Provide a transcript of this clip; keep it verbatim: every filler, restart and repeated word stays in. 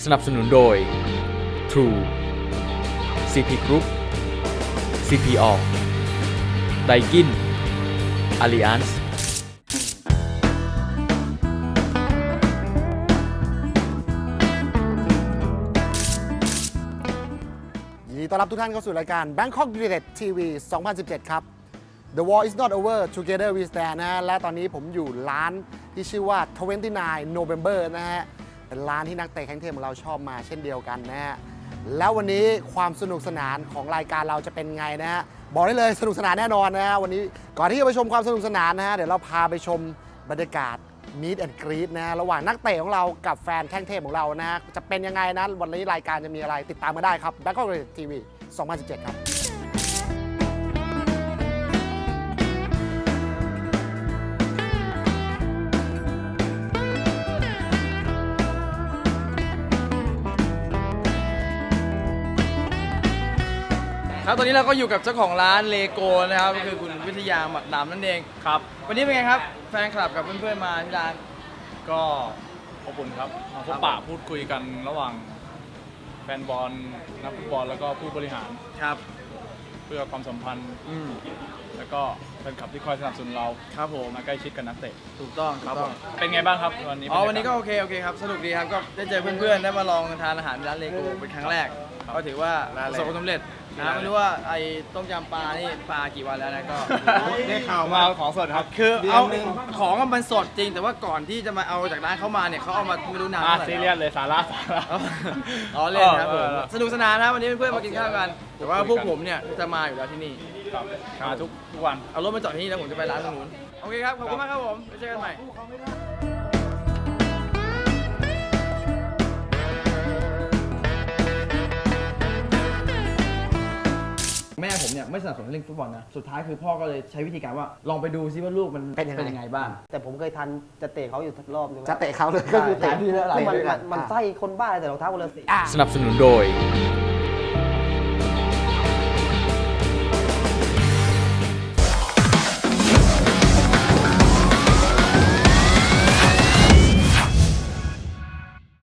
สนับสนุนโดย True ซี พี Group ซี พี All Daikin Alliance ยินดีต้อนรับทุกท่านเข้าสู่รายการ Bangkok United ที วี สองพันสิบเจ็ด ครับ The War is not over Together we stand นะฮะและตอนนี้ผมอยู่ร้านที่ชื่อว่า ยี่สิบเก้า November นะฮะเป็นร้านที่นักเตะแข้งเทพของเราชอบมาเช่นเดียวกันนะฮะแล้ววันนี้ความสนุกสนานของรายการเราจะเป็นไงนะฮะบอกได้เลยสนุกสนานแน่นอนนะฮะวันนี้ก่อนที่จะไปชมความสนุกสนานนะฮะเดี๋ยวเราพาไปชมบรรยากาศMeet and Greet นะฮะระหว่างนักเตะของเรากับแฟนแข้งเทพของเรานะฮะจะเป็นยังไงนะวันนี้รายการจะมีอะไรติดตามมาได้ครับ Bangkok United ที วี สองพันสิบเจ็ด ครับครับตอนนี้เราก็อยู่กับเจ้าของร้านเลโก้นะครับก็คือคุณวิทยาหมักดำนั่นเองครับวันนี้เป็นไงครับแฟนคลับกับเพื่อนๆมาที่ร้านก็อบอุ่นครับมาพบปะพูดคุยกันระหว่างแฟนบอลนักฟุตบอลแล้วก็ผู้บริหารครับเพื่อความสัมพันธ์อืมแล้วก็แฟนคลับที่คอยสนับสนุนเราครับผมมาใกล้ชิดกับนักเตะถูกต้องถูกต้องเป็นไงบ้างครับวันนี้อ๋อวันนี้ก็โอเคโอเคครับสนุกดีครับก็ได้เจอเพื่อนๆได้มาลองทานอาหารร้านเลโก้เป็นครั้งแรกก็ถือว่าประสบความสำเร็จนะไม่รู้ว่าไอ้ต้มยำปลานี่ปลากี่วันแล้วนะก็ได้ข่าวมาของสดครับคือเอาของมันสดจริงแต่ว่าก่อนที่จะมาเอาจากร้านเขามาเนี่ยเขาเอามาไม่รู้นานอ่ะเท่าไหร่ซีเรียสเลยสาระสาระอ๋อเล่นครับผมเออสนุกสนานนะวันนี้เพื่อนๆมากินข้าวกันแต่ว่าพวกผมเนี่ยจะมาอยู่แล้วที่นี่ครับมาทุกทุกวันเอารถมาจอดที่นี่แล้วผมจะไปร้านตรงนู้นโอเคครับขอบคุณมากครับผมไว้เจอกันใหม่แม่ผมเนี่ยไม่สนับสนุนเล่นฟุตบอลนะสุดท้ายคือพ่อก็เลยใช้วิธีการว่าลองไปดูซิว่าลูกมันเป็นยังไงยังไงบ้างแต่ผมเคยทันจะเตะเขาอยู่รอบนึงจะเตะเขาเลยก็คือเตะเตะที่แล้วเตะมันด้วยกัมัน นไส้คนบ้าเลยแต่รองเท้าคนละสีอ่ะสนับสนุนโดย